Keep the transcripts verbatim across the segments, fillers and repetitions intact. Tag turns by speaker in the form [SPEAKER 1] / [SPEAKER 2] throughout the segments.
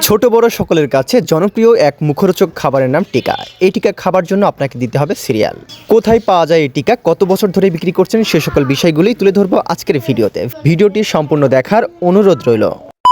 [SPEAKER 1] ছোট বড় সকলের কাছে জনপ্রিয় এক মুখরোচক খাবারের নাম টিকা। এই টিকা খাবার জন্য আপনাকে দিতে হবে সিরিয়াল। কোথায় পাওয়া যায় এই টিকা, কত বছর ধরে বিক্রি করছেন, সে সকল বিষয়গুলোই তুলে ধরবো আজকের ভিডিওতে। ভিডিওটি সম্পূর্ণ দেখার অনুরোধ রইল।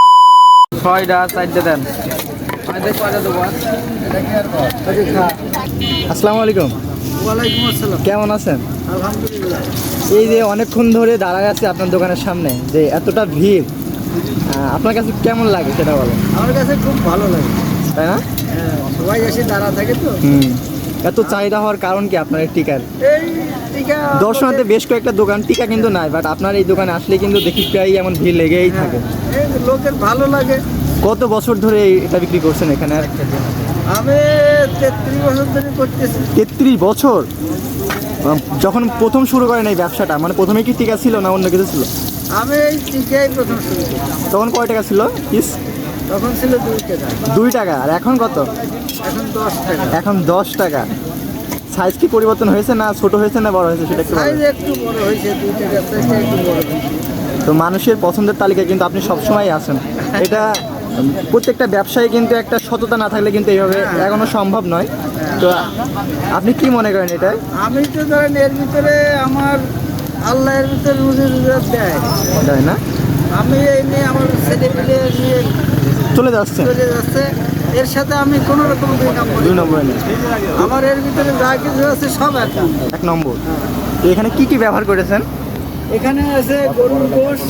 [SPEAKER 1] আসসালামু আলাইকুম।
[SPEAKER 2] ওয়ালাইকুম আসসালাম।
[SPEAKER 1] কেমন আছেন?
[SPEAKER 2] আলহামদুলিল্লাহ।
[SPEAKER 1] এই যে অনেকক্ষণ ধরে দাঁড়ায় আছে আপনার দোকানের সামনে, যে এতটা ভিড়, আহ, আপনার কাছে কেমন লাগে সেটা বলেন।
[SPEAKER 2] আমার কাছে খুব ভালো লাগে,
[SPEAKER 1] তাই না?
[SPEAKER 2] হ্যাঁ, সবাই এসে দাঁড়া থাকে তো।
[SPEAKER 1] হুম। এত চাহিদা হওয়ার কারণ কি আপনার এই টিকার?
[SPEAKER 2] এই টিকা
[SPEAKER 1] দর্শনাতে বেশ কয়েকটা দোকান টিকা কিন্তু নাই, বাট আপনার এই দোকানে আসলে কিন্তু দেখি প্রায় এমন ভিড় লেগেই থাকে।
[SPEAKER 2] এই লোকের ভালো লাগে।
[SPEAKER 1] কত বছর ধরে এই- এটা বিক্রি করছেন এখানে?
[SPEAKER 2] আমি তেত্রিশ বছর ধরে করতেছি।
[SPEAKER 1] তেত্রিশ বছর? আহ, যখন প্রথম শুরু করেন এই ব্যবসাটা, মানে প্রথমে কি টিকা ছিল না অন্য কিছু ছিল?
[SPEAKER 2] আমি এই টিকাই প্রথম শুরু করি।
[SPEAKER 1] তখন কয় টাকা ছিল পিস?
[SPEAKER 2] তখন ছিল দুই টাকা,
[SPEAKER 1] দুই টাকা। আর এখন কত?
[SPEAKER 2] এখন দশ টাকা।
[SPEAKER 1] এখন দশ টাকা। সাইজ কি পরিবর্তন হয়েছে, না ছোট হয়েছে না বড় হয়েছে সেটা একটু বলেন।
[SPEAKER 2] সাইজ একটু বড় হয়েছে, দুই টাকা থেকে একটু বড় হয়েছে।
[SPEAKER 1] তো মানুষের পছন্দের তালিকায় কিন্তু আপনি সবসময় আছেন। এটা উম, প্রত্যেকটা ব্যবসায়ী কিন্তু একটা সততা না থাকলে কিন্তু এইভাবে এখনো সম্ভব নয়। তো আপনি কি মনে করেন এটা?
[SPEAKER 2] আমি তো ধরেন এর ভিতরে আমার আল্লাহ এর ভিতরে রুজি রুজাত দেয়।
[SPEAKER 1] তাই না?
[SPEAKER 2] আমি এই নিয়ে আমার ছেলে পেলে নিয়ে
[SPEAKER 1] চলে যাচ্ছে
[SPEAKER 2] চলে যাচ্ছে, এর সাথে আমি কোনো রকম দুই নম্বর
[SPEAKER 1] দুই নম্বরে নেই।
[SPEAKER 2] আমার এর ভিতরে যা কিছু আছে সব এক নম্বর।
[SPEAKER 1] এক নম্বর। তো এখানে কি কি ব্যবহার করেছেন?
[SPEAKER 2] এখানে আছে গরুর গোশ,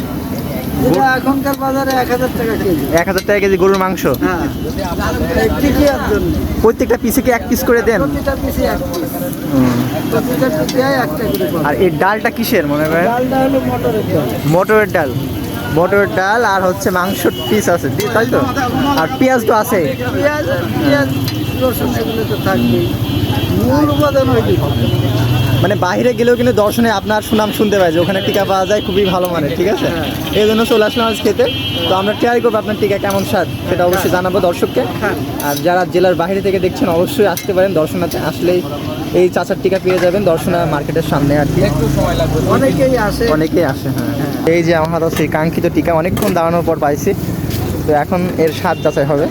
[SPEAKER 2] যেটা এখনকার বাজারে এক হাজার টাকা কেজি।
[SPEAKER 1] এক হাজার টাকা কেজি গরুর মাংস।
[SPEAKER 2] হ্যাঁ, এই টিকিয়ার জন্য
[SPEAKER 1] প্রত্যেকটা পিসে কি এক পিস করে দেন?
[SPEAKER 2] প্রতিটা পিসে এক পিস, প্রতিটা টিকিয়ায় একটা করে পাবে।
[SPEAKER 1] আর এই ডালটা কিসের মনে করেন?
[SPEAKER 2] ডালটা হলো মটরের ডাল।
[SPEAKER 1] মটরের ডাল। মটরের ডাল আর হচ্ছে মাংসর পিস আছে, দি- তাই তো? আর পেঁয়াজ তো আছে।
[SPEAKER 2] পেঁয়াজ পেঁয়াজ রসুন এগুলো তো থাকবেই, মূল উপাদান ওইটি।
[SPEAKER 1] মানে বাইরে গেলেও কিন্তু দর্শনে আপনার সুনাম শুনতে পাই যে ওখানে টিকা পাওয়া যায় খুবই ভালো মানের, ঠিক আছে? এই জন্য চলে আসলাম আজ খেতে। তো আমরা ট্রাই করবো আপনার টিকা কেমন স্বাদ সেটা অবশ্যই জানাবো দর্শককে। আর যারা জেলার বাইরে থেকে দেখছেন অবশ্যই আসতে পারেন, দর্শনাতে আসলেই এই চাচার টিকা পেয়ে যাবেন দর্শনা মার্কেটের সামনে আর কি।
[SPEAKER 2] অনেকেই আসে।
[SPEAKER 1] অনেকেই আসে, হ্যাঁ। এই যে আমার হাতে সেই কাঙ্ক্ষিত টিকা অনেকক্ষণ দাঁড়ানোর পর পাইছি। তো এখন এর স্বাদ যাচাই হবে।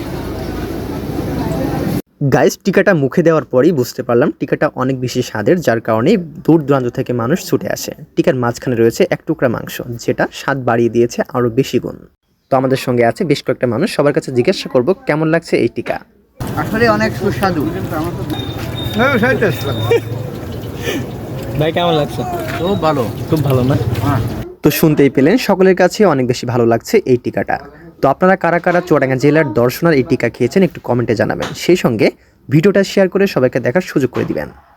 [SPEAKER 1] গাইস, টিকাটা মুখে দেওয়ার পরেই বুঝতে পারলাম টিকাটা অনেক বেশি স্বাদের, যার কারণে দূর দূরান্ত থেকে মানুষ ছুটে আসে। টিকার মাঝখানে রয়েছে এক টুকরা মাংস, যেটা স্বাদ বাড়িয়ে দিয়েছে আরও বেশি গুণ। তো আমাদের সঙ্গে আছে বেশ কয়েকটা মানুষ, সবার কাছে জিজ্ঞাসা করব কেমন লাগছে এই টিকা।
[SPEAKER 2] আসলে অনেক সুস্বাদু।
[SPEAKER 1] ভাই কেমন লাগছে?
[SPEAKER 2] খুব ভালো।
[SPEAKER 1] খুব ভালো না? তো শুনতেই পেলেন সকলের কাছে অনেক বেশি ভালো লাগছে এই টিকাটা। তো আপনারা কারা কারা চুয়াডাঙ্গা জেলার দর্শনার এই টিকা খেয়েছেন একটু কমেন্টে জানাবেন। সেই সঙ্গে ভিডিওটা শেয়ার করে সবাইকে দেখার সুযোগ করে দিবেন।